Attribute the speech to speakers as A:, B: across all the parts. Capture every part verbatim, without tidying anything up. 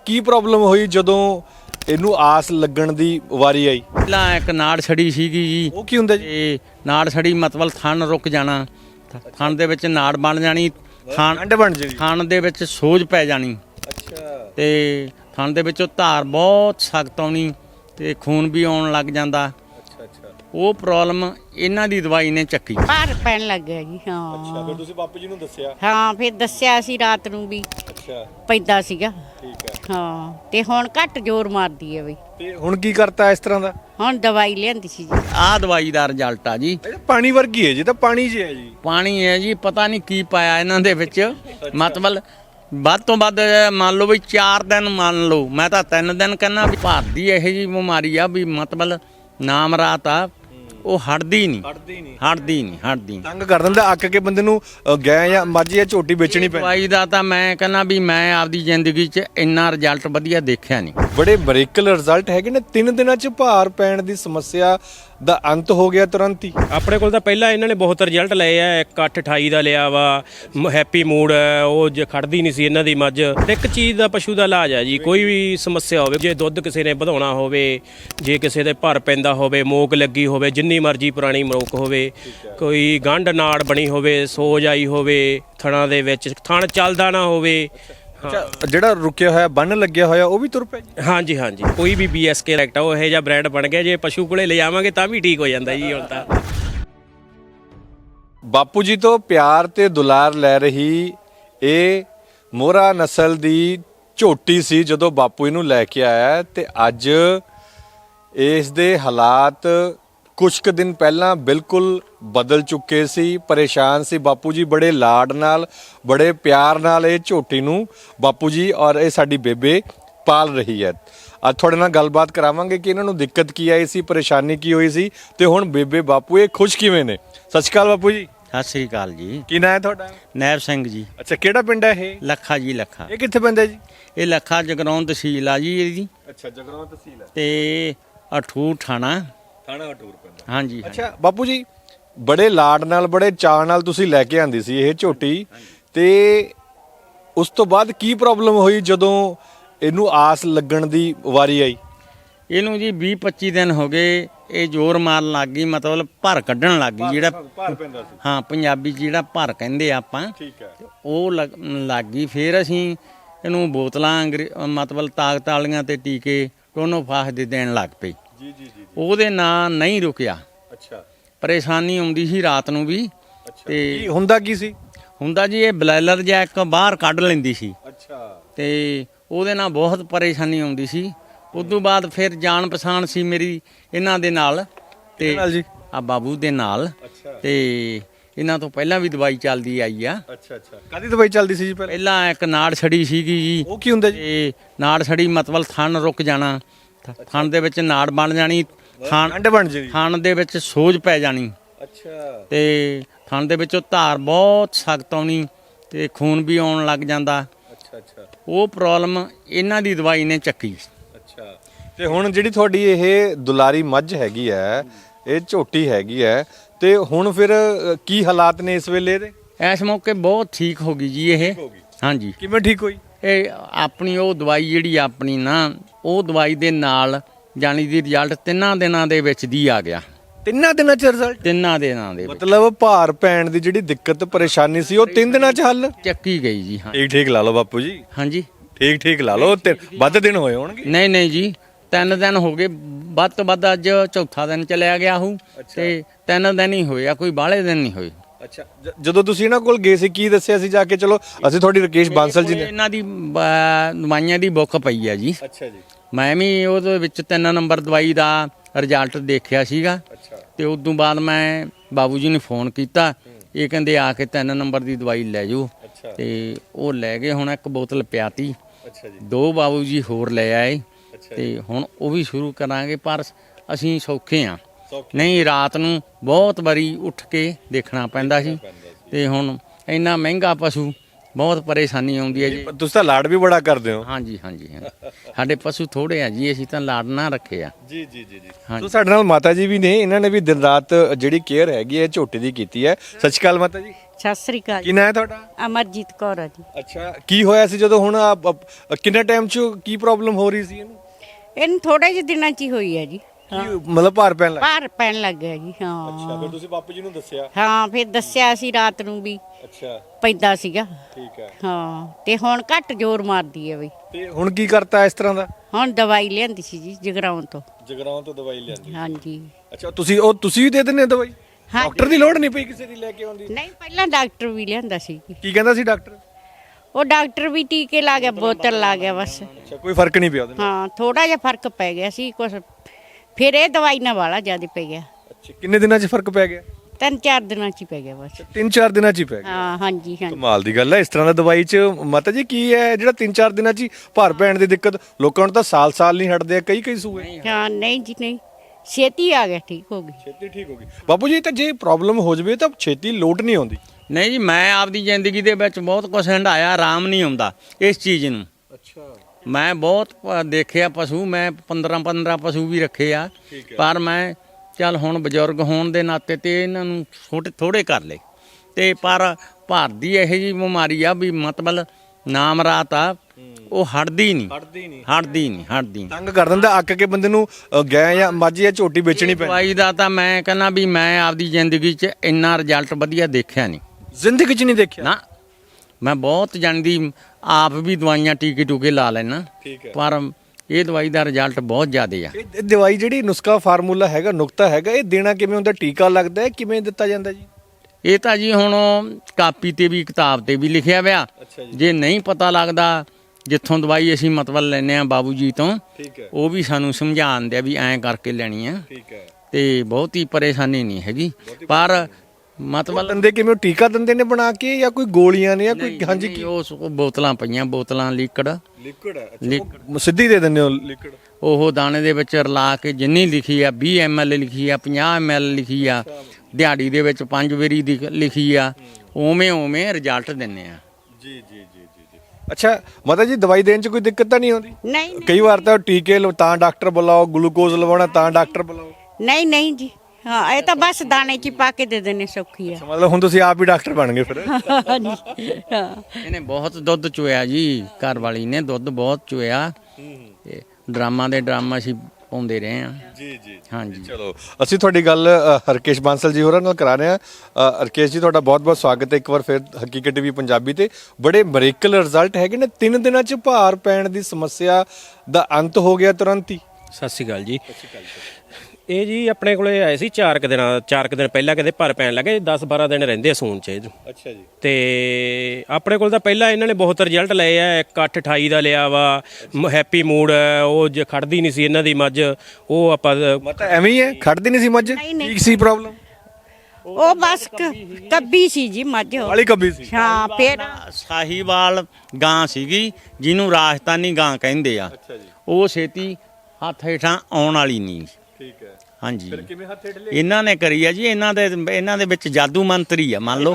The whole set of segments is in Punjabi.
A: ਕੀ ਪ੍ਰੋਬਲਮ ਹੋਈ ਜਦੋਂ ਇਹਨੂੰ ਆਸ ਲੱਗਣ ਦੀ ਵਾਰੀ ਆਈ?
B: ਪਹਿਲਾਂ ਇੱਕ ਨਾੜ ਛੜੀ ਸੀਗੀ ਜੀ।
A: ਉਹ ਕੀ ਹੁੰਦਾ ਜੀ?
B: ਤੇ ਨਾੜ ਛੜੀ ਮਤਲਬ ਥਣ ਰੁਕ ਜਾਣਾ, ਥਣ ਦੇ ਵਿੱਚ ਨਾੜ ਬਣ ਜਾਣੀ, ਥਣ
A: ਗੰਢ ਬਣ ਜਾਏਗੀ।
B: ਥਣ ਦੇ ਵਿੱਚ ਸੋਜ ਪੈ ਜਾਣੀ
A: ਅੱਛਾ।
B: ਤੇ ਥਣ ਦੇ ਵਿੱਚੋਂ ਧਾਰ ਬਹੁਤ ਸਖਤ ਆਉਣੀ ਤੇ ਖੂਨ ਵੀ ਆਉਣ ਲੱਗ ਜਾਂਦਾ।
A: ਅੱਛਾ ਅੱਛਾ
B: ਉਹ ਪ੍ਰੋਬਲਮ ਇਹਨਾਂ ਦੀ ਦਵਾਈ ਨੇ ਚੱਕੀ।
C: ਭਾਰ ਪੈਣ ਲੱਗ ਗਿਆ ਜੀ।
A: ਅੱਛਾ,
C: ਹਾਂ
A: ਫਿਰ ਤੁਸੀਂ ਬਾਪੂ ਜੀ ਨੂੰ ਦੱਸਿਆ?
C: ਹਾਂ ਫਿਰ ਦੱਸਿਆ ਸੀ ਰਾਤ ਨੂੰ ਵੀ
A: ਅੱਛਾ
C: ਪੈਂਦਾ ਸੀਗਾ।
A: ਠੀਕ ਹੈ।
C: ਹਾਂ ਤੇ ਹੁਣ ਘੱਟ ਜ਼ੋਰ ਮਾਰਦੀ ਹੈ ਬਈ।
A: ਤੇ ਹੁਣ ਕੀ ਕਰਤਾ ਇਸ ਤਰ੍ਹਾਂ ਦਾ?
C: ਹੁਣ ਦਵਾਈ ਲਿਆਂਦੀ ਸੀ ਜੀ।
B: ਆਹ ਦਵਾਈ ਦਾ ਰਿਜ਼ਲਟ ਆ ਜੀ।
A: ਇਹ ਤਾਂ ਪਾਣੀ ਵਰਗੀ ਹੈ ਜੀ, ਤਾਂ ਪਾਣੀ ਜਿਹਾ ਹੈ ਜੀ।
B: ਪਾਣੀ ਹੈ ਜੀ, ਪਤਾ ਨਹੀਂ ਕੀ ਪਾਇਆ ਇਹਨਾਂ ਦੇ ਵਿੱਚ। ਮਤਲਬ ਵੱਧ ਤੋਂ ਵੱਧ ਮੰਨ ਲਓ ਵੀ ਚਾਰ ਦਿਨ ਮੰਨ ਲਓ, ਮੈਂ ਤਾਂ ਤਿੰਨ ਦਿਨ ਕਹਿੰਦਾ ਵੀ ਭਾਰ ਦੀ ਇਹੋ ਜਿਹੀ ਬਿਮਾਰੀ ਆ ਵੀ ਮਤਲਬ ਨਾਮ ਰਾਤ ਆ, ਉਹ ਹਟਦੀ ਨਹੀਂ
A: ਹਟਦੀ ਨਹੀਂ
B: ਹਟਦੀ ਨਹੀਂ ਹਟਦੀ ਨਹੀਂ।
A: ਤੰਗ ਕਰ ਦਿੰਦਾ ਅੱਕ ਕੇ ਬੰਦੇ ਨੂੰ। ਅ, ਗਾਂ ਜਾਂ ਮੱਝ ਜਾਂ ਝੋਟੀ ਵੇਚਣੀ ਪੈਂਦੀ।
B: ਦਵਾਈ ਦਾ ਤਾਂ ਮੈਂ ਕਹਿੰਦਾ ਵੀ ਮੈਂ ਆਪਦੀ ਜ਼ਿੰਦਗੀ 'ਚ ਇੰਨਾ ਰਿਜ਼ਲਟ ਵਧੀਆ ਦੇਖਿਆ ਨਹੀਂ।
A: ਬੜੇ ਮੈਰੀਕਲ ਰਿਜ਼ਲਟ ਹੈਗੇ ਨੇ। ਤਿੰਨ ਦਿਨਾਂ 'ਚ ਭਾਰ ਪੈਣ ਦੀ ਸਮੱਸਿਆ ਦਾ ਅੰਤ ਹੋ ਗਿਆ ਤੁਰੰਤ ਹੀ।
D: ਆਪਣੇ ਕੋਲ ਤਾਂ ਪਹਿਲਾਂ ਇਹਨਾਂ ਨੇ ਬਹੁਤ ਰਿਜ਼ਲਟ ਲਏ ਆ। ਇੱਕ ਅੱਠ ਅਠਾਈ ਦਾ ਲਿਆ ਵਾ, ਹੈਪੀ ਮੂਡ ਹੈ, ਉਹ ਜੇ ਖੜਦੀ ਨਹੀਂ ਸੀ ਇਹਨਾਂ ਦੀ ਮੱਝ। ਇੱਕ ਚੀਜ਼ ਦਾ ਪਸ਼ੂ ਦਾ ਇਲਾਜ ਹੈ ਜੀ। ਕੋਈ ਵੀ ਸਮੱਸਿਆ ਹੋਵੇ, ਜੇ ਦੁੱਧ ਕਿਸੇ ਨੇ ਵਧਾਉਣਾ ਹੋਵੇ, ਜੇ ਕਿਸੇ ਦੇ ਭਰ ਪੈਂਦਾ ਹੋਵੇ, ਮੋਕ ਲੱਗੀ ਹੋਵੇ, ਜਿੰਨੀ ਮਰਜ਼ੀ ਪੁਰਾਣੀ ਮੋਕ ਹੋਵੇ, ਕੋਈ ਗੰਢ ਨਾੜ ਬਣੀ ਹੋਵੇ, ਸੋਜ ਆਈ ਹੋਵੇ ਥਣਾ ਦੇ ਵਿੱਚ, ਥਣ ਚੱਲਦਾ ਨਾ ਹੋਵੇ।
A: ਅੱਛਾ, ਜਿਹੜਾ ਰੁਕਿਆ ਹੋਇਆ ਬੰਨ ਲੱਗਿਆ ਹੋਇਆ ਉਹ ਵੀ ਤੁਰ ਪਿਆ ਜੀ?
D: ਹਾਂਜੀ ਹਾਂਜੀ, ਕੋਈ ਵੀ ਬੀ ਐਸ ਕੇ ਰੈਕਟ ਉਹ ਇਹੋ ਜਿਹਾ ਬ੍ਰਾਂਡ ਬਣ ਗਿਆ, ਜੇ ਪਸ਼ੂ ਕੋਲੇ ਲੈ ਜਾਵਾਂਗੇ ਤਾਂ ਵੀ ਠੀਕ ਹੋ ਜਾਂਦਾ ਜੀ ਹੁਣ ਤਾਂ।
A: ਬਾਪੂ ਜੀ ਤੋਂ ਪਿਆਰ ਤੇ ਦੁਲਾਰ ਲੈ ਰਹੀ ਇਹ ਮੋਹਰਾ ਨਸਲ ਦੀ ਝੋਟੀ ਸੀ ਜਦੋਂ ਬਾਪੂ ਇਹਨੂੰ ਲੈ ਕੇ ਆਇਆ, ਤੇ ਅੱਜ ਇਸ ਦੇ ਹਾਲਾਤ ਕੁਝ ਕੁ ਦਿਨ ਪਹਿਲਾਂ ਬਿਲਕੁਲ ਬਦਲ ਚੁੱਕੇ ਸੀ। ਪਰੇਸ਼ਾਨ ਸੀ ਬਾਪੂ ਜੀ। ਬੜੇ ਲਾਡ ਨਾਲ, ਬੜੇ ਪਿਆਰ ਨਾਲ ਇਹ ਝੋਟੀ ਨੂੰ ਬਾਪੂ ਜੀ ਔਰ ਇਹ ਸਾਡੀ ਬੇਬੇ ਪਾਲ ਰਹੀ ਹੈ। ਅੱਜ ਤੁਹਾਡੇ ਨਾਲ ਗੱਲਬਾਤ ਕਰਾਵਾਂਗੇ ਕਿ ਇਹਨਾਂ ਨੂੰ ਦਿੱਕਤ ਕੀ ਆਈ ਸੀ, ਪਰੇਸ਼ਾਨੀ ਕੀ ਹੋਈ ਸੀ, ਤੇ ਹੁਣ ਬੇਬੇ ਬਾਪੂ ਇਹ ਖੁਸ਼ ਕਿਵੇਂ ਨੇ। ਸਤਿ ਸ਼੍ਰੀ ਅਕਾਲ ਬਾਪੂ ਜੀ।
B: ਸਤਿ ਸ੍ਰੀ ਅਕਾਲ ਜੀ।
A: ਕੀ ਨਾਂ ਹੈ ਤੁਹਾਡਾ?
B: ਨੈਬ ਸਿੰਘ ਜੀ।
A: ਅੱਛਾ, ਕਿਹੜਾ ਪਿੰਡ ਹੈ ਇਹ?
B: ਲੱਖਾ ਜੀ ਲੱਖਾ।
A: ਇਹ ਕਿੱਥੇ ਪੈਂਦਾ ਜੀ?
B: ਇਹ ਲੱਖਾ ਜਗਰਾਉਂ ਤਹਿਸੀਲ ਆ ਜੀ ਇਹਦੀ,
A: ਅੱਛਾ, ਜਗਰਾਉਂ ਤਹਿਸੀਲ ਹੈ
B: ਤੇ ਅਠੂਰ ਥਾਣਾ।
A: ਥਾਣਾ ਅਟੂਰ ਪੈਂਦਾ।
B: ਹਾਂਜੀ।
A: ਅੱਛਾ ਬਾਪੂ ਜੀ, ਬੜੇ ਲਾਡ ਨਾਲ, ਬੜੇ ਚਾਅ ਨਾਲ ਤੁਸੀਂ ਲੈ ਕੇ ਆਂਦੀ ਸੀ ਇਹ ਝੋਟੀ, ਤੇ ਉਸ ਤੋਂ ਬਾਅਦ ਕੀ ਪ੍ਰੋਬਲਮ ਹੋਈ ਜਦੋਂ ਇਹਨੂੰ ਆਸ ਲੱਗਣ ਦੀ ਵਾਰੀ ਆਈ?
B: ਇਹਨੂੰ ਜੀ ਵੀਹ ਪੱਚੀ ਦਿਨ ਹੋ ਗਏ, ਇਹ ਜ਼ੋਰ ਮਾਰਨ ਲੱਗ ਗਈ, ਮਤਲਬ ਭਰ ਕੱਢਣ ਲੱਗ ਗਈ। ਜਿਹੜਾ
A: ਭਾਰ ਪੈਂਦਾ ਸੀ।
B: ਹਾਂ, ਪੰਜਾਬੀ 'ਚ ਜਿਹੜਾ ਭਰ ਕਹਿੰਦੇ ਆਪਾਂ,
A: ਠੀਕ ਹੈ।
B: ਉਹ ਲੱਗ ਲੱਗ ਗਈ। ਫਿਰ ਅਸੀਂ ਇਹਨੂੰ ਬੋਤਲਾਂ ਅੰਗਰੇ- ਮਤਲਬ ਤਾਕਤ ਵਾਲੀਆਂ ਤੇ ਟੀਕੇ ਟੋਨੋਫਾਸ ਦੇ ਦੇਣ ਲੱਗ ਪਏ।
A: ਜੀ ਜੀ ਜੀ।
B: ਉਹਦੇ ਨਾਲ ਨਹੀਂ ਰੁਕਿਆ।
A: ਅੱਛਾ
B: ਪਰੇਸ਼ਾਨੀ ਆਉਂਦੀ ਸੀ ਰਾਤ ਨੂੰ ਵੀ।
A: ਅੱਛਾ,
B: ਤੇ
A: ਕੀ ਹੁੰਦਾ ਕੀ ਸੀ?
B: ਹੁੰਦਾ ਜੀ ਇਹ ਬਲੈਲਰ ਜਿਹਾ ਇੱਕ ਬਾਹਰ ਕੱਢ ਲੈਂਦੀ ਸੀ,
A: ਅੱਛਾ।
B: ਤੇ ਉਹਦੇ ਨਾਲ ਬਹੁਤ ਪਰੇਸ਼ਾਨੀ ਆਉਂਦੀ ਸੀ। ਉਦੋਂ ਬਾਅਦ ਫਿਰ ਜਾਣ ਪਛਾਣ ਸੀ ਮੇਰੀ ਇਹਨਾਂ ਦੇ ਨਾਲ, ਤੇ
A: ਨਾਲ ਜੀ?
B: ਆ ਬਾਬੂ ਦੇ ਨਾਲ।
A: ਅੱਛਾ
B: ਤੇ ਇਹਨਾਂ ਤੋਂ ਪਹਿਲਾਂ ਵੀ ਦਵਾਈ ਚੱਲਦੀ ਆਈ ਆ।
A: ਅੱਛਾ ਅੱਛਾ। ਕਾਹਦੀ ਦਵਾਈ ਚੱਲਦੀ ਸੀ ਜੀ ਪਹਿਲਾਂ?
B: ਪਹਿਲਾਂ ਇੱਕ ਨਾੜ ਛੜੀ ਸੀਗੀ ਜੀ।
A: ਉਹ ਕੀ ਹੁੰਦਾ ਜੀ?
B: ਤੇ ਨਾੜ ਛੜੀ ਮਤਲਬ ਥਣ ਰੁਕ ਜਾਣਾ, ਥਣ ਦੇ ਵਿੱਚ ਨਾੜ ਬਣ ਜਾਣੀ, ਥਣ
A: ਗੰਢ ਬਣ ਜਾਏਗੀ।
B: ਥਣ ਦੇ ਵਿੱਚ ਸੋਜ ਪੈ ਜਾਣੀ
A: ਅੱਛਾ।
B: ਤੇ ਥਣ ਦੇ ਵਿੱਚੋਂ ਧਾਰ ਬਹੁਤ ਸਖਤ ਆਉਣੀ ਤੇ ਖੂਨ ਵੀ ਆਉਣ ਲੱਗ ਜਾਂਦਾ।
A: ਅੱਛਾ ਅੱਛਾ
B: ਉਹ ਪ੍ਰੋਬਲਮ ਇਹਨਾਂ ਦੀ ਦਵਾਈ ਨੇ ਚੱਕੀ।
A: ਅੱਛਾ। ਤੇ ਹੁਣ ਜਿਹੜੀ ਤੁਹਾਡੀ ਇਹ ਦੁਲਾਰੀ ਮੱਝ ਹੈਗੀ ਹੈ, ਇਹ ਝੋਟੀ ਹੈਗੀ ਹੈ, ਤੇ ਹੁਣ ਫਿਰ ਅ, ਕੀ ਹਾਲਾਤ ਨੇ ਇਸ ਵੇਲੇ ਦੇ?
B: ਇਸ ਮੌਕੇ ਬਹੁਤ ਠੀਕ ਹੋ ਗਈ ਜੀ ਇਹ।
A: ਹੋ ਗਈ।
B: ਹਾਂਜੀ।
A: ਕਿਵੇਂ ਠੀਕ ਹੋਈ?
B: ਇਹ ਆਪਣੀ ਉਹ ਦਵਾਈ ਜਿਹੜੀ ਆਪਣੀ ਨਾ, ਉਹ ਦਵਾਈ ਦੇ ਨਾਲ ਜਾਣੀ ਦੀ ਰਿਜ਼ਲਟ ਤਿੰਨਾਂ ਦਿਨਾਂ ਦੇ ਵਿੱਚ ਦੀ ਆ ਗਿਆ।
A: ਤਿੰਨਾਂ ਦਿਨਾਂ ਚ ਰਿਜ਼ਲਟ?
B: ਤਿੰਨਾਂ ਦਿਨਾਂ ਦੇ ਵਿੱਚ
A: ਮਤਲਬ ਭਾਰ ਪੈਣ ਦੀ ਜਿਹੜੀ ਦਿੱਕਤ ਪਰੇਸ਼ਾਨੀ ਸੀ ਉਹ ਤਿੰਨ ਦਿਨਾਂ ਚ ਹੱਲ?
B: ਚੱਕੀ ਗਈ ਜੀ। ਹਾਂ
A: ਠੀਕ ਠੀਕ ਲਾ ਲਓ ਬਾਪੂ ਜੀ,
B: ਹਾਂਜੀ।
A: ਠੀਕ ਠੀਕ ਲਾ ਲਓ। ਤੇ ਵੱਧ ਦਿਨ ਹੋਏ ਹੋਣਗੇ?
B: ਨਹੀਂ ਨਹੀਂ ਜੀ, ਤਿੰਨ ਦਿਨ ਹੋ ਗਏ। ਵੱਧ ਤੋਂ ਵੱਧ ਅੱਜ ਚੌਥਾ ਦਿਨ ਚਲਿਆ ਗਿਆ ਹੂ, ਤੇ ਤਿੰਨ ਦਿਨ ਹੀ ਹੋਏ ਆ, ਕੋਈ ਬਾਹਲੇ ਦਿਨ ਨਹੀਂ ਹੋਏ।
A: ਅੱਛਾ। ਜ- ਜਦੋਂ ਤੁਸੀਂ ਇਹਨਾਂ ਕੋਲ ਗਏ ਸੀ ਕੀ ਦੱਸਿਆ ਸੀ ਜਾ ਕੇ? ਚਲੋ ਅਸੀਂ ਤੁਹਾਡੀ ਰਕੇਸ਼ ਬਾਂਸਲ ਜੀ ਨੇ।
B: ਇਹਨਾਂ ਦੀ ਬ- ਦਵਾਈਆਂ ਦੀ ਬੁੱਕ ਪਈ ਆ ਜੀ।
A: ਅੱਛਾ ਜੀ।
B: ਮੈਂ ਵੀ ਉਹਦੇ ਵਿੱਚ ਤਿੰਨ ਨੰਬਰ ਦਵਾਈ ਦਾ ਰਿਜ਼ਲਟ ਦੇਖਿਆ ਸੀਗਾ,
A: ਅੱਛਾ।
B: ਤੇ ਉਸ ਤੋਂ ਬਾਅਦ ਮੈਂ ਬਾਬੂ ਜੀ ਨੂੰ ਫੋਨ ਕੀਤਾ। ਇਹ ਕਹਿੰਦੇ ਆ ਕੇ ਤਿੰਨ ਨੰਬਰ ਦੀ ਦਵਾਈ ਲੈ ਜਾਓ,
A: ਅੱਛਾ।
B: ਤੇ ਉਹ ਲੈ ਗਏ। ਹੁਣ ਇੱਕ ਬੋਤਲ ਪਿਆਤੀ,
A: ਅੱਛਾ ਜੀ।
B: ਦੋ ਬਾਬੂ ਜੀ ਹੋਰ ਲੈ ਆਏ,
A: ਅੱਛਾ।
B: ਤੇ ਹੁਣ ਉਹ ਵੀ ਸ਼ੁਰੂ ਕਰਾਂਗੇ। ਪਰ ਅਸੀਂ ਸੌਖੇ ਆ, ਨਹੀਂ ਰਾਤ ਨੂੰ ਬਹੁਤ ਵਾਰੀ ਉੱਠ ਕੇ ਦੇਖਣਾ ਪੈਂਦਾ ਸੀ, ਤੇ ਹੁਣ ਇੰਨਾ ਮਹਿੰਗਾ ਪਸ਼ੂ ਬਹੁਤ ਪਰੇਸ਼ਾਨੀ ਆਉਂਦੀ ਹੈ ਜੀ।
A: ਤੁਸੀਂ ਤਾਂ ਲਾਡ ਵੀ ਬੜਾ ਕਰਦੇ ਹੋ।
B: ਹਾਂਜੀ ਹਾਂਜੀ ਹਾਂਜੀ। ਸਾਡੇ ਪਸ਼ੂ ਥੋੜੇ ਆ ਜੀ, ਅਸੀਂ ਤਾਂ ਲਾੜ ਨਾ ਰੱਖੇ ਆ।
A: ਜੀ ਜੀ ਜੀ ਜੀ
B: ਹਾਂਜੀ।
A: ਸੋ ਸਾਡੇ ਨਾਲ ਮਾਤਾ ਜੀ ਵੀ ਨੇ, ਇਹਨਾਂ ਨੇ ਵੀ ਦਿਨ ਰਾਤ ਜਿਹੜੀ ਕੇਅਰ ਹੈਗੀ ਹੈ ਝੋਟੀ ਦੀ ਕੀਤੀ ਹੈ। ਸਤਿ ਸ਼੍ਰੀ ਅਕਾਲ ਮਾਤਾ ਜੀ,
C: ਸਤਿ ਸ੍ਰੀ ਅਕਾਲ
A: ਕੀ ਨਾਂ ਹੈ ਤੁਹਾਡਾ?
C: ਅਮਰਜੀਤ ਕੌਰ ਆ ਜੀ।
A: ਅੱਛਾ, ਕੀ ਹੋਇਆ ਸੀ ਜਦੋਂ ਹੁਣ ਆਪ- ਆਪ- ਕਿੰਨੇ ਟਾਈਮ 'ਚ ਕੀ ਪ੍ਰੋਬਲਮ ਹੋ ਰਹੀ ਸੀ ਇਹਨੂੰ?
C: ਇਹਨੂੰ ਥੋੜੇ ਜਿਹੇ ਦਿਨਾਂ ਚ ਹੀ ਹੋਈ ਹੈ ਜੀ।
A: ਕੀ ਮਤਲਬ ਭਾਰ ਪੈਣ ਲੱਗ
C: ਭਾਰ ਪੈਣ ਲੱਗ ਗਿਆ ਜੀ।
A: ਅੱਛਾ,
C: ਹਾਂ
A: ਫਿਰ ਤੁਸੀਂ ਬਾਪੂ ਜੀ ਨੂੰ ਦੱਸਿਆ?
C: ਹਾਂ ਫਿਰ ਦੱਸਿਆ ਸੀ ਰਾਤ ਨੂੰ ਵੀ
A: ਅੱਛਾ,
C: ਪੈਂਦਾ ਸੀਗਾ।
A: ਠੀਕ ਹੈ।
C: ਹਾਂ ਤੇ ਹੁਣ ਘੱਟ ਜ਼ੋਰ ਮਾਰਦੀ ਹੈ ਬਈ।
A: ਤੇ ਹੁਣ ਕੀ ਕਰਤਾ ਇਸ ਤਰ੍ਹਾਂ ਦਾ?
C: ਹੁਣ ਦਵਾਈ ਲਿਆਂਦੀ ਸੀ ਜੀ ਜਗਰਾਉਂ ਤੋਂ।
A: ਜਗਰਾਉਂ ਤੋਂ ਦਵਾਈ ਲਿਆਂਦੀ?
C: ਹਾਂਜੀ।
A: ਅੱਛਾ, ਤੁਸੀਂ ਉਹ ਤੁਸੀਂ ਵੀ ਦੇ ਦਿੰਦੇ ਹੋ ਦਵਾਈ?
C: ਹਾਂਜੀ।
A: ਡਾਕਟਰ ਦੀ ਲੋੜ ਨਹੀਂ ਪਈ ਕਿਸੇ ਦੀ ਲੈ ਕੇ ਆਉਂਦੀ?
C: ਨਹੀਂ ਪਹਿਲਾਂ ਡਾਕਟਰ ਵੀ ਲਿਆਂਦਾ ਸੀ ਜੀ।
A: ਕੀ ਕਹਿੰਦਾ ਸੀ ਡਾਕਟਰ?
C: ਉਹ ਡਾਕਟਰ ਵੀ ਟੀਕੇ ਲਾ ਗਿਆ, ਬੋਤਲ ਲਾ ਗਿਆ ਬਸ।
A: ਅੱਛਾ, ਕੋਈ ਫਰਕ ਨਹੀਂ ਪਿਆ ਉਹਦੇ ਨਾਲ?
C: ਹਾਂ ਥੋੜਾ ਜਿਹਾ ਫਰਕ ਪੈ ਗਿਆ ਸੀ ਕੁਛ, ਫਿਰ ਇਹ ਦਵਾਈ ਨਾਲ ਵਾਲਾ ਜ਼ਿਆਦਾ ਪੈ ਗਿਆ।
A: ਅੱਛਾ, ਕਿੰਨੇ ਦਿਨਾਂ 'ਚ ਫਰਕ ਪੈ ਗਿਆ?
C: ਤਿੰਨ ਚਾਰ ਦਿਨਾਂ ਚ ਹੀ ਪੈ ਗਿਆ ਬਸ।
A: ਤਿੰਨ ਚਾਰ ਦਿਨਾਂ 'ਚ ਹੀ ਪੈ ਗਿਆ?
C: ਹਾਂ ਹਾਂਜੀ ਹਾਂਜੀ।
A: ਕਮਾਲ ਦੀ ਗੱਲ ਹੈ। ਇਸ ਤਰ੍ਹਾਂ ਦਾ ਦਵਾਈ 'ਚ ਮਾਤਾ ਜੀ ਕੀ ਹੈ ਜਿਹੜਾ ਤਿੰਨ ਚਾਰ ਦਿਨਾਂ 'ਚ ਹੀ ਭਾਰ ਪੈਣ ਦੀ ਦਿੱਕਤ? ਲੋਕਾਂ ਨੂੰ ਤਾਂ ਸਾਲ ਸਾਲ ਨਹੀਂ ਹਟਦੇ, ਕਈ ਕਈ ਸੂਏ।
C: ਹਾਂ ਨਹੀਂ ਜੀ ਨਹੀਂ, ਛੇਤੀ ਆ ਗਿਆ, ਠੀਕ ਹੋ ਗਈ।
A: ਛੇਤੀ ਠੀਕ ਹੋ ਗਈ ਬਾਪੂ ਜੀ। ਤਾਂ ਜੇ ਪ੍ਰੋਬਲਮ ਹੋ ਜਵੇ ਤਾਂ ਛੇਤੀ ਲੋਟ ਨਹੀਂ ਆਉਂਦੀ?
B: ਨਹੀਂ ਜੀ, ਮੈਂ ਆਪਦੀ ਜ਼ਿੰਦਗੀ ਦੇ ਵਿੱਚ ਬਹੁਤ ਕੁਝ ਹੰਢਾਇਆ, ਆਰਾਮ ਨਹੀਂ ਆਉਂਦਾ ਇਸ ਚੀਜ਼ ਨੂੰ।
A: ਅੱਛਾ,
B: ਮੈਂ ਬਹੁਤ ਪ- ਦੇਖਿਆ ਪਸ਼ੂ, ਮੈਂ ਪੰਦਰਾਂ ਪੰਦਰਾਂ ਪਸ਼ੂ ਵੀ ਰੱਖੇ ਆ,
A: ਠੀਕ ਹੈ।
B: ਪਰ ਮੈਂ ਚੱਲ ਹੁਣ ਬਜ਼ੁਰਗ ਹੋਣ ਦੇ ਨਾਤੇ ਤੇ ਇਹਨਾਂ ਨੂੰ ਛੋਟੇ ਥੋੜੇ ਕਰ ਲਏ ਤੇ ਪਰ ਭਾਰ ਦੀ ਇਹੋ ਜਿਹੀ ਬਿਮਾਰੀ ਆ ਵੀ ਮਤਲਬ ਨਾਮ ਰਾਤ ਆ, ਉਹ ਹਟਦੀ ਨਹੀਂ
A: ਹਟਦੀ ਨਹੀਂ
B: ਹਟਦੀ ਨਹੀਂ ਹਟਦੀ ਨਹੀਂ।
A: ਤੰਗ ਕਰ ਦਿੰਦਾ ਅੱਕ ਕੇ ਬੰਦੇ ਨੂੰ। ਅ, ਗਾਂ ਜਾਂ ਮੱਝ ਜਾਂ ਝੋਟੀ ਵੇਚਣੀ ਪੈਂਦੀ?
B: ਦਵਾਈ ਦਾ ਤਾਂ ਮੈਂ ਕਹਿੰਦਾ ਵੀ ਮੈਂ ਆਪਦੀ ਜ਼ਿੰਦਗੀ 'ਚ ਇੰਨਾ ਰਿਜ਼ਲਟ ਵਧੀਆ ਦੇਖਿਆ ਨਹੀਂ।
A: ਜ਼ਿੰਦਗੀ 'ਚ ਨਹੀਂ ਦੇਖਿਆ?
B: ਨਾ, ਮੈਂ ਬਹੁਤ ਜਾਣਦੀ ਆਪ ਵੀ ਦਵਾਈਆਂ ਟੀਕੇ ਟੂਕੇ ਲਾ ਲੈਣਾ,
A: ਠੀਕ ਹੈ।
B: ਪਰ ਇਹ ਦਵਾਈ ਦਾ ਰਿਜ਼ਲਟ ਬਹੁਤ ਜ਼ਿਆਦਾ ਆ।
A: ਇਹ ਇਹ ਦਵਾਈ ਜਿਹੜੀ ਨੁਸਖਾ ਫਾਰਮੂਲਾ ਹੈਗਾ, ਨੁਕਤਾ ਹੈਗਾ, ਇਹ ਦੇਣਾ ਕਿਵੇਂ ਹੁੰਦਾ? ਟੀਕਾ ਲੱਗਦਾ ਹੈ, ਕਿਵੇਂ ਦਿੱਤਾ ਜਾਂਦਾ ਜੀ?
B: ਇਹ ਤਾਂ ਜੀ ਹੁਣ ਕਾਪੀ ਤੇ ਵੀ ਕਿਤਾਬ ਤੇ ਵੀ ਲਿਖਿਆ ਹੋਇਆ।
A: ਅੱਛਾ ਜੀ।
B: ਜੇ ਨਹੀਂ ਪਤਾ ਲੱਗਦਾ, ਜਿੱਥੋਂ ਦਵਾਈ ਅਸੀਂ ਮਤਲਬ ਲੈਨੇ ਆ ਬਾਬੂ ਜੀ ਤੋਂ,
A: ਠੀਕ ਹੈ,
B: ਉਹ ਵੀ ਸਾਨੂੰ ਸਮਝਾਉਂਦੇ ਆ ਵੀ ਐਂ ਕਰਕੇ ਲੈਣੀ ਆ।
A: ਠੀਕ ਹੈ।
B: ਤੇ ਬਹੁਤੀ ਪਰੇਸ਼ਾਨੀ ਨਹੀਂ ਹੈਗੀ, ਪਰ ਮਤਲਬ
A: ਦੰਦੇ ਕਿਵੇਂ? ਉਹ ਟੀਕਾ ਦਿੰਦੇ ਨੇ ਬਣਾ ਕੇ ਜਾਂ ਕੋਈ ਗੋਲੀਆਂ ਨੇ ਜਾਂ ਕੋਈ? ਹਾਂਜੀ,
B: ਨਹੀਂ, ਉਹ ਉਹ ਬੋਤਲਾਂ ਪਈਆਂ, ਬੋਤਲਾਂ ਲੀਕੜ
A: ਲਿਕਵਿਡ ਹੈ?
B: ਲਿਕ-
A: ਸਿੱਧੀ ਦੇ ਦਿੰਦੇ ਹੋ ਲਿਕਵਿਡ?
B: ਉਹ ਦਾਣੇ ਦੇ ਵਿੱਚ ਰਲਾ ਕੇ ਜਿੰਨੀ ਲਿਖੀ ਆ, ਵੀਹ ਐਮ ਐਲ ਲਿਖੀ ਆ, ਪੰਜਾਹ ਐਮ ਐਲ ਲਿਖੀ ਆ, ਦਿਹਾੜੀ ਦੇ ਵਿੱਚ ਪੰਜ ਵਾਰੀ ਦੀ ਲਿਖੀ ਆ, ਉਵੇਂ ਉਵੇਂ ਰਿਜ਼ਲਟ ਦਿੰਨੇ ਆ।
A: ਜੀ ਜੀ ਜੀ ਜੀ ਜੀ। ਅੱਛਾ ਮਾਤਾ ਜੀ, ਦਵਾਈ ਦੇਣ 'ਚ ਕੋਈ ਦਿੱਕਤ ਤਾਂ ਨਹੀਂ ਆਉਂਦੀ?
C: ਨਹੀਂ ਨਹੀਂ
A: ਕਈ ਵਾਰ ਤਾਂ ਟੀਕੇ ਲਓ ਤਾਂ ਡਾਕਟਰ ਬੁਲਾਓ, ਗਲੂਕੋਜ਼ ਲਵਾਉਣਾ ਤਾਂ ਡਾਕਟਰ ਬੁਲਾਓ।
C: ਨਹੀਂ ਨਹੀਂ ਜੀ। ਹਾਂ ਇਹ ਤਾਂ ਬਸ ਦਾਣੇ ਚ ਹੀ ਪਾ ਕੇ ਦੇ ਦੇਣੇ, ਸੌਖੀ ਆ।
A: ਮਤਲਬ ਹੁਣ ਤੁਸੀਂ ਆਪ ਹੀ ਡਾਕਟਰ ਬਣ ਗਏ ਫਿਰ?
C: ਹਾਂਜੀ ਹਾਂ।
B: ਇਹਨੇ ਬਹੁਤ ਦੁੱਧ ਚੋਇਆ ਜੀ, ਘਰ ਵਾਲੀ ਨੇ ਦੁੱਧ ਬਹੁਤ ਚੋਇਆ ਤੇ ਡਰਾਮਾ ਦੇ ਡਰਾਮਾ ਅਸੀਂ ਪਾਉਂਦੇ ਰਹੇ ਆ।
A: ਜੀ ਜੀ।
B: ਹਾਂਜੀ।
A: ਚਲੋ ਅਸੀਂ ਤੁਹਾਡੀ ਗੱਲ ਅ, ਹਰਕੇਸ਼ ਬਾਂਸਲ ਜੀ ਹੋਰਾਂ ਨਾਲ ਕਰਾ ਰਹੇ ਹਾਂ। ਅ, ਹਰਕੇਸ਼ ਜੀ ਤੁਹਾਡਾ ਬਹੁਤ ਬਹੁਤ ਸਵਾਗਤ ਹੈ ਇੱਕ ਵਾਰ ਫਿਰ ਹਕੀਕਤ ਟੀਵੀ ਪੰਜਾਬੀ ਤੇ। ਬੜੇ ਮੈਰੀਕਲ ਰਿਜ਼ਲਟ ਹੈਗੇ ਨੇ, ਤਿੰਨ ਦਿਨਾਂ 'ਚ ਭਾਰ ਪੈਣ ਦੀ ਸਮੱਸਿਆ ਦਾ ਅੰਤ ਹੋ ਗਿਆ ਤੁਰੰਤ ਹੀ।
D: ਸਤਿ ਸ਼੍ਰੀ ਅਕਾਲ ਜੀ। ਇਹ ਜੀ ਆਪਣੇ ਕੋਲੇ ਆਏ ਸੀ ਚਾਰ ਕੁ ਦਿਨਾਂ ਚਾਰ ਕੁ ਦਿਨ ਪਹਿਲਾਂ ਕਹਿੰਦੇ ਭਰ ਪੈਣ ਲੱਗੇ, ਦਸ ਬਾਰਾਂ ਦਿਨ ਰਹਿੰਦੇ ਆ ਸੂਣ 'ਚ ਇਹਨੂੰ।
A: ਅੱਛਾ ਜੀ।
D: ਤੇ ਆਪਣੇ ਕੋਲ ਤਾਂ ਪਹਿਲਾਂ ਇਹਨਾਂ ਨੇ ਬਹੁਤ ਰਿਜ਼ਲਟ ਲਏ ਆ। ਇੱਕ ਅੱਠ ਅਠਾਈ ਦਾ ਲਿਆ ਵਾ, ਮ- ਹੈਪੀ ਮੂਡ ਹੈ, ਉਹ ਜੇ ਖੜਦੀ ਨਹੀਂ ਸੀ ਇਹਨਾਂ ਦੀ ਮੱਝ, ਉਹ ਆਪਾਂ
A: ਮਤਲਬ ਐਵੇਂ ਹੀ ਹੈ, ਖੜਦੀ ਨਹੀਂ ਸੀ ਮੱਝ?
C: ਨਹੀਂ, ਨਹੀਂ।
A: ਕੀ ਸੀ ਪ੍ਰੋਬਲਮ?
C: ਉਹ ਬਸ ਕ- ਕੱਬੀ ਸੀ ਜੀ ਮੱਝ ਉਹ।
A: ਵਾਲੀ ਕੱਬੀ ਸੀ?
C: ਹਾਂ ਫਿਰ
B: ਸਾਹੀਵਾਲ ਗਾਂ ਸੀਗੀ ਜਿਹਨੂੰ ਰਾਜਸਥਾਨੀ ਗਾਂ ਕਹਿੰਦੇ ਆ।
A: ਅੱਛਾ ਜੀ।
B: ਉਹ ਛੇਤੀ ਹੱਥ ਹੇਠਾਂ ਆਉਣ ਵਾਲੀ ਨਹੀਂ।
A: ਠੀਕ ਹੈ।
B: ਹਾਂਜੀ,
A: ਫਿਰ ਕਿਵੇਂ ਹੱਥ ਹੇਠ ਲਿਆ?
B: ਇਹਨਾਂ ਨੇ ਕਰੀ ਆ ਜੀ, ਇਹਨਾਂ ਦੇ ਇਹਨਾਂ ਦੇ ਵਿੱਚ ਜਾਦੂ ਮੰਤਰੀ ਆ ਮੰਨ ਲਓ।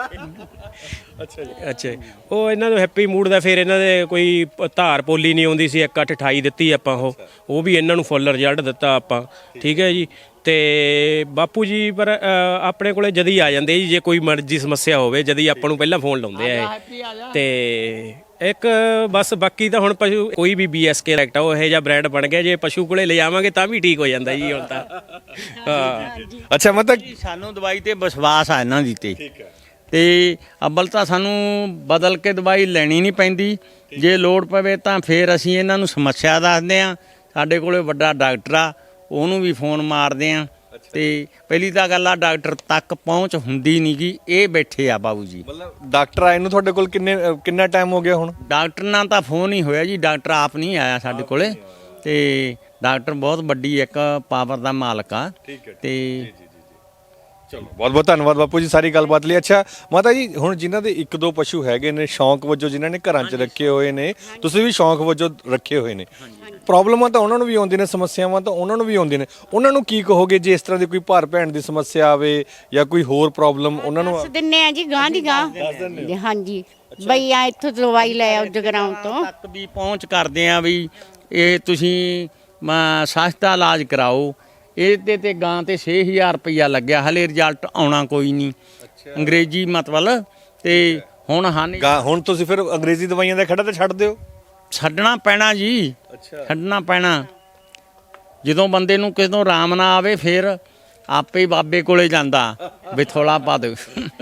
A: ਅੱਛਾ ਜੀ।
D: ਅੱਛਾ ਜੀ। ਉਹ ਇਹਨਾਂ ਨੂੰ ਹੈਪੀ ਮੂਡ ਦਾ ਫਿਰ ਇਹਨਾਂ ਦੇ ਕੋਈ ਪ- ਧਾਰ ਪੋਲੀ ਨਹੀਂ ਆਉਂਦੀ ਸੀ, ਇੱਕ ਅੱਠ ਅਠਾਈ ਦਿੱਤੀ ਆਪਾਂ, ਉਹ ਉਹ ਵੀ ਇਹਨਾਂ ਨੂੰ ਫੁੱਲ ਰਿਜ਼ਲਟ ਦਿੱਤਾ ਆਪਾਂ। ਠੀਕ ਹੈ ਜੀ। ਤੇ ਬਾਪੂ ਜੀ ਪਰ ਅ, ਆਪਣੇ ਕੋਲੇ ਜਦ ਹੀ ਆ ਜਾਂਦੇ ਜੀ, ਜੇ ਕੋਈ ਮਰਜ਼ੀ ਸਮੱਸਿਆ ਹੋਵੇ ਜਦ ਹੀ ਆਪਾਂ ਨੂੰ ਪਹਿਲਾਂ ਫੋਨ ਲਾਉਂਦੇ ਆ ਇਹ। ਤੇ ਇੱਕ ਬਸ ਬਾਕੀ ਤਾਂ ਹੁਣ ਪਸ਼ੂ ਕੋਈ ਵੀ ਬੀਐਸਕੇ ਡਾਇਰੈਕਟ ਉਹ ਇਹੋ ਜਿਹਾ ਬ੍ਰਾਂਡ ਬਣ ਗਿਆ, ਜੇ ਪਸ਼ੂ ਕੋਲੇ ਲਿਜਾਵਾਂਗੇ ਤਾਂ ਵੀ ਠੀਕ ਹੋ ਜਾਂਦਾ ਜੀ ਹੁਣ ਤਾਂ। ਹਾਂ।
A: ਅੱਛਾ ਮਤਲਬ
B: ਸਾਨੂੰ ਦਵਾਈ ਤੇ ਵਿਸ਼ਵਾਸ ਆ ਇਹਨਾਂ ਦੀ ਤੇ
A: ਠੀਕ ਹੈ।
B: ਤੇ ਅੱਬਲ ਤਾਂ ਸਾਨੂੰ ਬਦਲ ਕੇ ਦਵਾਈ ਲੈਣੀ ਨਹੀਂ ਪੈਂਦੀ, ਜੇ ਲੋੜ ਪਵੇ ਤਾਂ ਫਿਰ ਅਸੀਂ ਇਹਨਾਂ ਨੂੰ ਸਮੱਸਿਆ ਦੱਸਦੇ ਆ। ਸਾਡੇ ਕੋਲੇ ਵੱਡਾ ਡਾਕਟਰ ਆ, ਉਹਨੂੰ ਵੀ ਫੋਨ ਮਾਰਦੇ ਆ। ਤੇ ਪਹਿਲੀ ਤਾਂ ਗੱਲ ਆ ਡਾਕਟਰ ਤੱਕ ਪਹੁੰਚ ਹੁੰਦੀ ਨਹੀਂ ਗੀ, ਇਹ ਬੈਠੇ ਆ ਬਾਬੂ ਜੀ।
A: ਮਤਲਬ ਡਾਕਟਰ ਆਏ ਨੂੰ ਤੁਹਾਡੇ ਕੋਲ ਕਿੰਨੇ ਅ, ਕਿੰਨਾ ਟਾਈਮ ਹੋ ਗਿਆ ਹੁਣ?
B: ਡਾਕਟਰ ਨਾਲ ਤਾਂ ਫੋਨ ਹੀ ਹੋਇਆ ਜੀ, ਡਾਕਟਰ ਆਪ ਨਹੀਂ ਆਇਆ ਸਾਡੇ ਕੋਲੇ। ਤੇ ਡਾਕਟਰ ਬਹੁਤ ਵੱਡੀ ਇੱਕ ਪਾਵਰ ਦਾ ਮਾਲਕ ਆ।
A: ਠੀਕ ਹੈ।
B: ਤੇ
A: ਚਲੋ ਬਹੁਤ ਬਹੁਤ ਧੰਨਵਾਦ ਬਾਪੂ ਜੀ ਸਾਰੀ ਗੱਲਬਾਤ ਲਈ। ਅੱਛਾ ਮਾਤਾ ਜੀ, ਹੁਣ ਜਿਨ੍ਹਾਂ ਦੇ ਇੱਕ ਦੋ ਪਸ਼ੂ ਹੈਗੇ ਨੇ ਸ਼ੌਂਕ ਵਜੋਂ, ਜਿਨ੍ਹਾਂ ਨੇ ਘਰਾਂ 'ਚ ਰੱਖੇ ਹੋਏ ਨੇ, ਤੁਸੀਂ ਵੀ ਸ਼ੌਂਕ ਵਜੋਂ ਰੱਖੇ ਹੋਏ ਨੇ, ਪ੍ਰੋਬਲਮਾਂ ਤਾਂ ਉਹਨਾਂ ਨੂੰ ਵੀ ਆਉਂਦੀਆਂ ਨੇ, ਸਮੱਸਿਆਵਾਂ ਤਾਂ ਉਹਨਾਂ ਨੂੰ ਵੀ ਆਉਂਦੀਆਂ ਨੇ। ਉਹਨਾਂ ਨੂੰ ਕੀ ਕਹੋਗੇ ਜੇ ਇਸ ਤਰ੍ਹਾਂ ਦੀ ਕੋਈ ਭਰ ਭੈਣ ਦੀ ਸਮੱਸਿਆ ਆਵੇ ਜਾਂ ਕੋਈ ਹੋਰ ਪ੍ਰੋਬਲਮ ਉਹਨਾਂ ਨੂੰ
C: ਦੱਸ ਦਿੰਨੇ ਆ ਜੀ ਗਾਂ ਦੀ ਗਾਂ ਹਾਂਜੀ ਬਈ ਆ ਇੱਥੋਂ ਦਵਾਈ ਲੈ ਆਓ ਜਗਰਾਉਂ ਤੋਂ
B: ਤੱਕ ਵੀ ਪਹੁੰਚ ਕਰਦੇ ਆ ਵੀ ਇਹ ਤੁਸੀਂ ਮ, ਸਸਤਾ ਇਲਾਜ ਕਰਾਓ। ਇਹਦੇ ਤੇ ਗਾਂ ਤੇ ਛੇ ਹਜ਼ਾਰ ਰੁਪਈਆ ਲੱਗਿਆ, ਹਲੇ ਰਿਜ਼ਲਟ ਆਉਣਾ ਕੋਈ ਨਹੀਂ। ਅੰਗਰੇਜ਼ੀ ਮਤਲਬ ਤੇ ਹੁਣ ਹਨ
A: ਗਾ ਹੁਣ ਤੁਸੀਂ ਫਿਰ ਅੰਗਰੇਜ਼ੀ ਦਵਾਈਆਂ ਦਾ ਖੜਾ ਤੇ ਛੱਡ ਦਿਓ।
B: ਛੱਡਣਾ ਪੈਣਾ ਜੀ, ਛੱਡਣਾ ਪੈਣਾ। ਜਦੋਂ ਬੰਦੇ ਨੂੰ ਕਿਸੇ ਤੋਂ ਆਰਾਮ ਨਾ ਆਵੇ ਫਿਰ ਆਪੇ ਹੀ ਬਾਬੇ ਕੋਲੇ ਜਾਂਦਾ ਵੀ ਥੋੜਾ ਪਾ ਦਿਓ।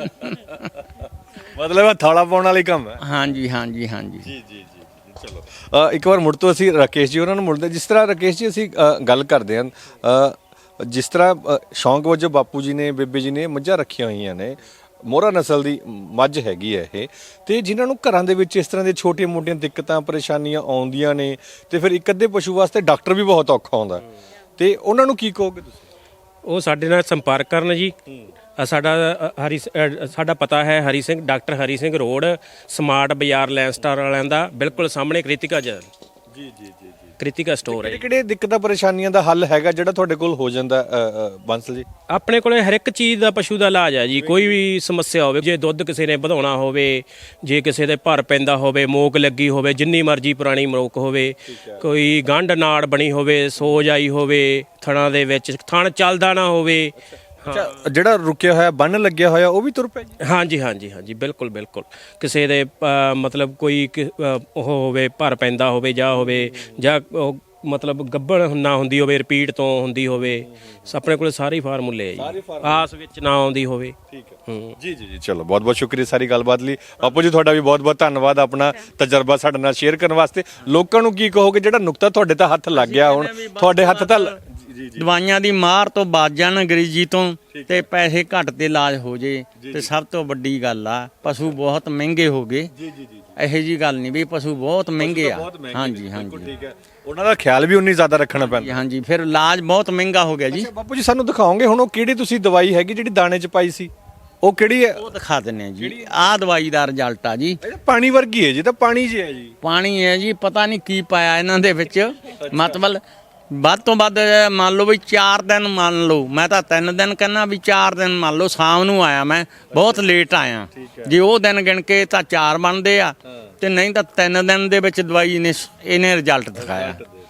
A: ਮਤਲਬ ਇਹ ਥਾਲਾ ਪਾਉਣ ਵਾਲੀ ਕੰਮ ਹੈ।
B: ਹਾਂਜੀ ਹਾਂਜੀ ਹਾਂਜੀ
A: ਜੀ ਜੀ ਜੀ ਚਲੋ ਅ, ਇੱਕ ਵਾਰ ਮੁੜ ਤੋਂ ਅਸੀਂ ਰਾਕੇਸ਼ ਜੀ ਉਹਨਾਂ ਨੂੰ ਮੁੜਦੇ। ਜਿਸ ਤਰ੍ਹਾਂ ਰਾਕੇਸ਼ ਜੀ ਅਸੀਂ ਅ, ਗੱਲ ਕਰਦੇ ਹਾਂ ਅ, ਜਿਸ ਤਰ੍ਹਾਂ ਅ, ਸ਼ੌਂਕ ਵਜੋਂ ਬਾਪੂ ਜੀ ਨੇ ਬੇਬੇ ਜੀ ਨੇ ਮੱਝਾਂ ਰੱਖੀਆਂ ਹੋਈਆਂ ਨੇ, ਮੋਹਰਾ ਨਸਲ ਦੀ ਮੱਝ ਹੈਗੀ ਹੈ ਇਹ, ਤੇ ਜਿਨ੍ਹਾਂ ਨੂੰ ਘਰਾਂ ਦੇ ਵਿੱਚ ਇਸ ਤਰ੍ਹਾਂ ਦੀਆਂ ਛੋਟੀਆਂ ਮੋਟੀਆਂ ਦਿੱਕਤਾਂ ਪਰੇਸ਼ਾਨੀਆਂ ਆਉਂਦੀਆਂ ਨੇ ਤੇ ਫਿਰ ਇੱਕ ਅੱਧੇ ਪਸ਼ੂ ਵਾਸਤੇ ਡਾਕਟਰ ਵੀ ਬਹੁਤ ਔਖਾ ਹੁੰਦਾ, ਤੇ ਉਹਨਾਂ ਨੂੰ ਕੀ ਕਹੋਗੇ ਤੁਸੀਂ?
D: ਉਹ ਸਾਡੇ ਨਾਲ ਸੰਪਰਕ ਕਰਨ ਜੀ। ਅ, ਸਾਡਾ ਅ, ਹਰੀ ਸ- ਅ, ਸਾਡਾ ਪਤਾ ਹੈ Hari Singh doctor Hari Singh road, smart Bazaar land star ਵਾਲਿਆਂ ਦਾ ਬਿਲਕੁਲ ਸਾਹਮਣੇ ਕ੍ਰਿਤਿਕਾ ਜ
A: ਜੀ ਜੀ ਜੀ ਜੀ
D: ਕ੍ਰਿਤਿਕਾ ਸਟੋਰ ਹੈ।
A: ਕਿਹੜੇ ਕਿਹੜੇ ਦਿੱਕਤਾਂ ਪਰੇਸ਼ਾਨੀਆਂ ਦਾ ਹੱਲ ਹੈਗਾ ਜਿਹੜਾ ਤੁਹਾਡੇ ਕੋਲ ਹੋ ਜਾਂਦਾ ਅ, ਅ, ਬੰਸਲ ਜੀ?
D: ਆਪਣੇ ਕੋਲੇ ਹਰ ਇੱਕ ਚੀਜ਼ ਦਾ ਪਸ਼ੂ ਦਾ ਇਲਾਜ ਹੈ ਜੀ। ਕੋਈ ਵੀ ਸਮੱਸਿਆ ਹੋਵੇ, ਜੇ ਦੁੱਧ ਕਿਸੇ ਨੇ ਵਧਾਉਣਾ ਹੋਵੇ, ਜੇ ਕਿਸੇ ਦੇ ਭਰ ਪੈਂਦਾ ਹੋਵੇ, ਮੋਕ ਲੱਗੀ ਹੋਵੇ, ਜਿੰਨੀ ਮਰਜ਼ੀ ਪੁਰਾਣੀ ਮੋਕ ਹੋਵੇ, ਕੋਈ ਗੰਢ ਨਾੜ ਬਣੀ ਹੋਵੇ, ਸੋਜ ਆਈ ਹੋਵੇ ਥਣਾਂ ਦੇ ਵਿੱਚ, ਥਣ ਚੱਲਦਾ ਨਾ ਹੋਵੇ।
A: ਅੱਛਾ, ਜਿਹੜਾ ਰੁਕਿਆ ਹੋਇਆ ਬੰਨ ਲੱਗਿਆ ਹੋਇਆ ਉਹ ਵੀ ਤੁਰ ਪਿਆ ਜੀ?
D: ਹਾਂਜੀ ਹਾਂਜੀ ਹਾਂਜੀ ਬਿਲਕੁਲ ਬਿਲਕੁਲ। ਕਿਸੇ ਦੇ ਅ, ਮਤਲਬ ਕੋਈ ਕਿ- ਅ, ਉਹ ਹੋਵੇ, ਭਰ ਪੈਂਦਾ ਹੋਵੇ ਜਾਂ ਹੋਵੇ, ਜਾਂ ਉਹ ਮਤਲਬ ਗੱਭਣ ਨਾ ਹੁੰਦੀ ਹੋਵੇ, ਰਿਪੀਟ ਤੋਂ ਹੁੰਦੀ ਹੋਵੇ, ਆਪਣੇ ਕੋਲ ਸਾਰੇ ਫਾਰਮੂਲੇ ਹੈ ਜੀ, ਆਸ ਵਿੱਚ ਨਾ ਆਉਂਦੀ ਹੋਵੇ।
A: ਠੀਕ ਹੈ
D: ਹੂੰ
A: ਜੀ ਜੀ ਜੀ ਚਲੋ ਬਹੁਤ ਬਹੁਤ ਸ਼ੁਕਰੀਆ ਸਾਰੀ ਗੱਲਬਾਤ ਲਈ। ਬਾਪੂ ਜੀ ਤੁਹਾਡਾ ਵੀ ਬਹੁਤ ਬਹੁਤ ਧੰਨਵਾਦ ਆਪਣਾ ਤਜਰਬਾ ਸਾਡੇ ਨਾਲ ਸ਼ੇਅਰ ਕਰਨ ਵਾਸਤੇ। ਲੋਕਾਂ ਨੂੰ ਕੀ ਕਹੋਗੇ ਜਿਹੜਾ ਨੁਕਤਾ ਤੁਹਾਡੇ ਤਾਂ ਹੱਥ ਲੱਗ ਗਿਆ, ਹੁਣ ਤੁਹਾਡੇ ਹੱਥ ਤਾਂ
B: ਦਵਾਈਆਂ ਦੀ ਮਾਰ ਤੋਂ ਬਚ ਜਾਣ, ਅੰਗਰੇਜ਼ੀ ਤੋਂ, ਤੇ ਪੈਸੇ ਘੱਟ ਤੇ ਇਲਾਜ ਹੋ ਜੇ, ਤੇ ਸਭ ਤੋਂ ਵੱਡੀ ਗੱਲ ਆ ਪਸ਼ੂ ਬਹੁਤ ਮਹਿੰਗੇ ਹੋ ਗਏ।
A: ਜੀ ਜੀ ਜੀ
B: ਇਹੋ ਜੀ ਗੱਲ ਨਹੀਂ ਵੀ ਪਸ਼ੂ ਬਹੁਤ ਮਹਿੰਗੇ ਆ। ਹਾਂਜੀ ਹਾਂਜੀ
A: ਠੀਕ ਹੈ, ਉਹਨਾਂ ਦਾ ਖਿਆਲ ਵੀ ਉਨੀ ਜ਼ਿਆਦਾ ਰੱਖਣਾ ਪੈਂਦਾ।
B: ਹਾਂਜੀ ਫਿਰ ਇਲਾਜ ਬਹੁਤ ਮਹਿੰਗਾ ਹੋ ਗਿਆ ਜੀ।
A: ਬਾਪੂ ਜੀ ਸਾਨੂੰ ਦਿਖਾਓਗੇ ਹੁਣ ਉਹ ਕਿਹੜੀ ਤੁਸੀਂ ਦਵਾਈ ਹੈਗੀ ਜਿਹੜੀ ਦਾਣੇ 'ਚ ਪਾਈ ਸੀ, ਉਹ ਕਿਹੜੀ ਹੈ?
B: ਉਹ ਦਿਖਾ ਦਿੰਨੇ ਆ ਜੀ। ਆਹ ਦਵਾਈ ਦਾ ਰਿਜ਼ਲਟ ਆ ਜੀ।
A: ਇਹ ਪਾਣੀ ਵਰਗੀ ਹੈ ਜੀ, ਤਾਂ ਪਾਣੀ 'ਚ ਹੈ ਜੀ।
B: ਪਾਣੀ ਹੈ ਜੀ, ਪਤਾ ਨਹੀਂ ਕੀ ਪਾਇਆ ਇਹਨਾਂ ਦੇ ਵਿੱਚ। ਮਤਲਬ ਵੱਧ ਤੋਂ ਵੱਧ ਮੰਨ ਲਓ ਵੀ ਚਾਰ ਦਿਨ ਮੰਨ ਲਓ, ਮੈਂ ਤਾਂ ਤਿੰਨ ਦਿਨ ਕਹਿੰਦਾ ਵੀ ਚਾਰ ਦਿਨ ਮੰਨ ਲਓ। ਸ਼ਾਮ ਨੂੰ ਆਇਆ ਮੈਂ, ਬਹੁਤ ਲੇਟ ਆਇਆ। ਜੇ ਉਹ ਦਿਨ ਗਿਣ ਕੇ ਤਾਂ ਚਾਰ ਬਣਦੇ ਆ, ਤੇ ਨਹੀਂ ਤਾਂ ਤਿੰਨ ਦਿਨ ਦੇ ਵਿੱਚ ਦਵਾਈ ਨੇ ਇਹਨੇ ਰਿਜ਼ਲਟ ਦਿਖਾਇਆ।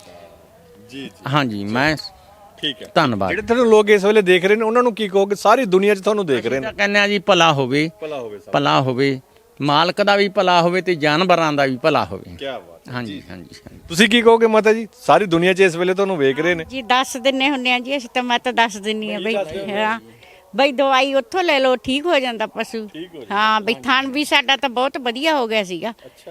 A: ਜੀ ਜੀ
B: ਹਾਂਜੀ ਮੈਂ
A: ਠੀਕ ਹੈ।
B: ਧੰਨਵਾਦ।
A: ਜਿਹੜੇ ਤੁਹਾਨੂੰ ਲੋਕ ਇਸ ਵੇਲੇ ਦੇਖ ਰਹੇ ਨੇ ਉਹਨਾਂ ਨੂੰ ਕੀ ਕਹੋਗੇ? ਸਾਰੀ ਦੁਨੀਆ 'ਚ ਤੁਹਾਨੂੰ ਦੇਖ ਰਹੇ ਨੇ।
B: ਕਹਿੰਦੇ ਆ ਜੀ ਭਲਾ ਹੋਵੇ,
A: ਭਲਾ ਹੋਵੇ ਸਭ।
B: ਭਲਾ ਹੋਵੇ, ਮਾਲਕ ਦਾ ਵੀ ਭਲਾ ਹੋਵੇ ਤੇ ਜਾਨਵਰਾਂ ਦਾ ਵੀ ਭਲਾ ਹੋਵੇ।
A: ਕੀ ਬਾਤ ਹੈ।
B: ਹਾਂਜੀ ਹਾਂਜੀ ਹਾਂਜੀ।
A: ਤੁਸੀਂ ਕੀ ਕਹੋਗੇ ਮਾਤਾ ਜੀ? ਸਾਰੀ ਦੁਨੀਆ 'ਚ ਇਸ ਵੇਲੇ ਤੁਹਾਨੂੰ ਵੇਖ ਰਹੇ ਨੇ।
C: ਜੀ ਦੱਸ ਦਿੰਨੇ ਹੁੰਨੇ ਆ ਜੀ ਅਸੀਂ ਤਾਂ, ਮੈਂ ਤਾਂ ਦੱਸ ਦਿੰਨੀ ਆ ਬਈ ਹਾਂ ਬਈ ਦਵਾਈ ਉੱਥੋਂ ਲੈ ਲਓ, ਠੀਕ ਹੋ ਜਾਂਦਾ ਪਸ਼ੂ। ਹਾਂ ਬਈ ਥਣ ਵੀ ਸਾਡਾ ਤਾਂ ਬਹੁਤ ਵਧੀਆ ਹੋ ਗਿਆ ਸੀਗਾ।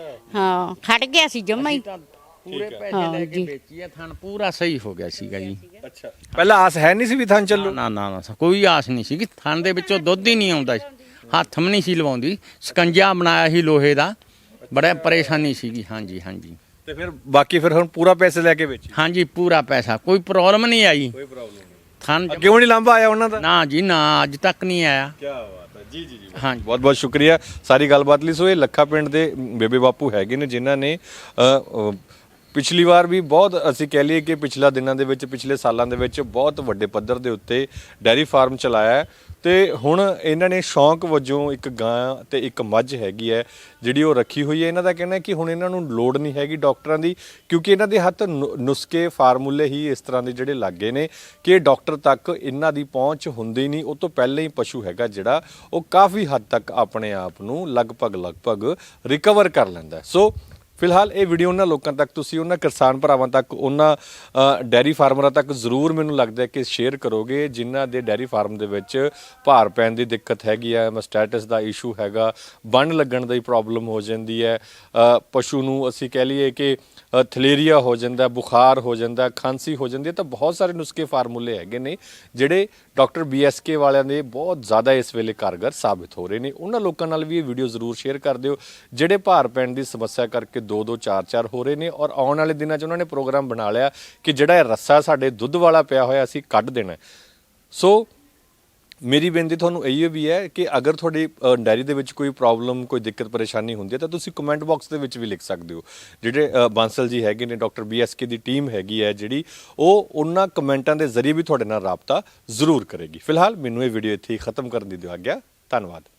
C: ਹਾਂ ਖੜ ਗਿਆ ਸੀ ਜਮਾ ਹੀ।
B: ਪੂਰੇ ਪੈਸੇ ਲੈ ਕੇ ਵੇਚੀ ਆ, ਥਣ ਪੂਰਾ ਸਹੀ ਹੋ ਗਿਆ ਸੀਗਾ ਜੀ।
A: ਅੱਛਾ, ਪਹਿਲਾਂ ਆਸ ਹੈ ਨਹੀਂ ਸੀ ਵੀ ਥਾਂ ਚੱਲੂ?
B: ਨਾ ਨਾ ਨਾ ਕੋਈ ਆਸ ਨਹੀਂ ਸੀ ਕਿ ਥਣ ਦੇ ਵਿੱਚੋਂ ਦੁੱਧ ਹੀ ਨਹੀਂ ਆਉਂਦਾ ਸੀ। ਹੱਥ ਵੀ ਨਹੀਂ ਸੀ ਲਵਾਉਂਦੀ, ਸਕੰਜਾ ਬਣਾਇਆ ਸੀ ਲੋਹੇ ਦਾ, ਬੜਾ ਪਰੇਸ਼ਾਨੀ ਸੀਗੀ। ਹਾਂਜੀ ਹਾਂਜੀ।
A: ਤੇ ਫਿਰ ਬਾਕੀ ਫਿਰ ਹੁਣ ਪੂਰਾ ਪੈਸੇ ਲੈ ਕੇ ਵੇਚੀ?
B: ਹਾਂਜੀ ਪੂਰਾ ਪੈਸਾ, ਕੋਈ ਪ੍ਰੋਬਲਮ ਨਹੀਂ ਆਈ।
A: ਕੋਈ ਪ੍ਰੋਬਲਮ ਨਹੀਂ।
B: ਥਣ
A: ਅੱਗੇ ਨਹੀਂ ਲਾਂਭਾ ਆਇਆ ਉਹਨਾਂ ਦਾ?
B: ਨਾ ਜੀ ਨਾ, ਅੱਜ ਤੱਕ ਨਹੀਂ ਆਇਆ।
A: ਕੀ ਬਾਤ ਹੈ। ਜੀ ਜੀ ਜੀ
B: ਹਾਂਜੀ
A: ਬਹੁਤ ਬਹੁਤ ਸ਼ੁਕਰੀਆ ਸਾਰੀ ਗੱਲਬਾਤ ਲਈ। ਸੋ ਇਹ ਲੱਖਾ ਪਿੰਡ ਦੇ ਬੇਬੇ ਬਾਪੂ ਹੈਗੇ ਨੇ ਜਿਨ੍ਹਾਂ ਨੇ ਅ, ਅ, ਪਿਛਲੀ ਵਾਰ ਵੀ ਬਹੁਤ, ਅਸੀਂ ਕਹਿ ਲਈਏ ਕਿ ਪਿਛਲਾ ਦਿਨਾਂ ਦੇ ਵਿੱਚ, ਪਿਛਲੇ ਸਾਲਾਂ ਦੇ ਵਿੱਚ ਬਹੁਤ ਵੱਡੇ ਪੱਧਰ ਦੇ ਉੱਤੇ ਡੈਰੀ ਫਾਰਮ ਚਲਾਇਆ ਹੈ, ਤੇ ਹੁਣ ਇਹਨਾਂ ਨੇ ਸ਼ੌਂਕ ਵਜੋਂ ਇੱਕ ਗਾਂ ਤੇ ਇੱਕ ਮੱਝ ਹੈਗੀ ਹੈ ਜਿਹੜੀ ਉਹ ਰੱਖੀ ਹੋਈ ਹੈ। ਇਹਨਾਂ ਦਾ ਕਹਿਣਾ ਹੈ ਕਿ ਹੁਣ ਇਹਨਾਂ ਨੂੰ ਲੋੜ ਨਹੀਂ ਹੈਗੀ ਡਾਕਟਰਾਂ ਦੀ, ਕਿਉਂਕਿ ਇਹਨਾਂ ਦੇ ਹੱਥ ਨੁ- ਨੁਸਖੇ ਫਾਰਮੂਲੇ ਹੀ ਇਸ ਤਰ੍ਹਾਂ ਦੇ ਜਿਹੜੇ ਲੱਗੇ ਨੇ ਕਿ ਡਾਕਟਰ ਤੱਕ ਇਹਨਾਂ ਦੀ ਪਹੁੰਚ ਹੁੰਦੀ ਨਹੀਂ। ਉਹ ਤੋਂ ਪਹਿਲਾਂ ਹੀ ਪਸ਼ੂ ਹੈਗਾ ਜਿਹੜਾ ਉਹ ਕਾਫੀ ਹੱਦ ਤੱਕ ਆਪਣੇ ਆਪ ਨੂੰ ਲਗਭਗ ਲਗਭਗ ਰਿਕਵਰ ਕਰ ਲੈਂਦਾ। ਸੋ ਫਿਲਹਾਲ ਇਹ ਵੀਡੀਓ ਉਹਨਾਂ ਲੋਕਾਂ ਤੱਕ, ਤੁਸੀਂ ਉਹਨਾਂ ਕਿਸਾਨ ਭਰਾਵਾਂ ਤੱਕ, ਉਹਨਾਂ ਅ, ਡੈਰੀ ਫਾਰਮਰਾਂ ਤੱਕ ਜ਼ਰੂਰ ਮੈਨੂੰ ਲੱਗਦਾ ਹੈ ਕਿ ਸ਼ੇਅਰ ਕਰੋਗੇ ਜਿਨ੍ਹਾਂ ਦੇ ਡੈਰੀ ਫਾਰਮ ਦੇ ਵਿੱਚ ਭਾਰ ਪੈਣ ਦੀ ਦਿੱਕਤ ਹੈਗੀ ਹੈ, ਮਸਟੈਟਸ ਦਾ ਇਸ਼ੂ ਹੈਗਾ, ਬੰਨ ਲੱਗਣ ਦੀ ਪ੍ਰੋਬਲਮ ਹੋ ਜਾਂਦੀ ਹੈ, ਅ, ਪਸ਼ੂ ਨੂੰ ਅਸੀਂ ਕਹਿ ਲਈਏ ਕਿ ਅ, ਥਲੇਰੀਆ ਹੋ ਜਾਂਦਾ, ਬੁਖਾਰ ਹੋ ਜਾਂਦਾ, ਖਾਂਸੀ ਹੋ ਜਾਂਦੀ ਹੈ। ਤਾਂ ਬਹੁਤ ਸਾਰੇ ਨੁਸਖੇ ਫਾਰਮੂਲੇ ਹੈਗੇ ਨੇ ਜਿਹੜੇ ਡਾਕਟਰ ਬੀ ਐਸ ਕੇ ਵਾਲਿਆਂ ਦੇ ਬਹੁਤ ਜ਼ਿਆਦਾ ਇਸ ਵੇਲੇ ਕਾਰਗਰ ਸਾਬਿਤ ਹੋ ਰਹੇ ਨੇ। ਉਹਨਾਂ ਲੋਕਾਂ ਨਾਲ ਵੀ ਇਹ ਵੀਡੀਓ ਜ਼ਰੂਰ ਸ਼ੇਅਰ ਕਰ ਦਿਓ ਜਿਹੜੇ ਭਾਰ ਪੈਣ ਦੀ ਸਮੱਸਿਆ ਕਰਕੇ ਦੋ ਦੋ ਚਾਰ ਚਾਰ ਹੋ ਰਹੇ ਨੇ, ਔਰ ਆਉਣ ਵਾਲੇ ਦਿਨਾਂ 'ਚ ਉਹਨਾਂ ਨੇ ਪ੍ਰੋਗਰਾਮ ਬਣਾ ਲਿਆ ਕਿ ਜਿਹੜਾ ਇਹ ਰੱਸਾ ਸਾਡੇ ਦੁੱਧ ਵਾਲਾ ਪਿਆ ਹੋਇਆ ਅਸੀਂ ਕੱਢ ਦੇਣਾ। ਸੋ ਮੇਰੀ ਬੇਨਤੀ ਤੁਹਾਨੂੰ ਇਹੀ ਵੀ ਹੈ ਕਿ ਅਗਰ ਤੁਹਾਡੀ ਅ, ਡਾਇਰੀ ਦੇ ਵਿੱਚ ਕੋਈ ਪ੍ਰੋਬਲਮ ਕੋਈ ਦਿੱਕਤ ਪਰੇਸ਼ਾਨੀ ਹੁੰਦੀ ਹੈ ਤਾਂ ਤੁਸੀਂ ਕਮੈਂਟ ਬਾਕਸ ਦੇ ਵਿੱਚ ਵੀ ਲਿਖ ਸਕਦੇ ਹੋ। ਜਿਹੜੇ ਅ, ਬਾਂਸਲ ਜੀ ਹੈਗੇ ਨੇ, ਡਾਕਟਰ ਬੀ ਐਸ ਕੇ ਦੀ ਟੀਮ ਹੈਗੀ ਹੈ ਜਿਹੜੀ, ਉਹ ਉਹਨਾਂ ਕਮੈਂਟਾਂ ਦੇ ਜ਼ਰੀਏ ਵੀ ਤੁਹਾਡੇ ਨਾਲ ਰਾਬਤਾ ਜ਼ਰੂਰ ਕਰੇਗੀ। ਫਿਲਹਾਲ ਮੈਨੂੰ ਇਹ ਵੀਡੀਓ ਇੱਥੇ ਹੀ ਖਤਮ ਕਰਨ ਦੀ ਦਿਓ ਆਗਿਆ। ਧੰਨਵਾਦ।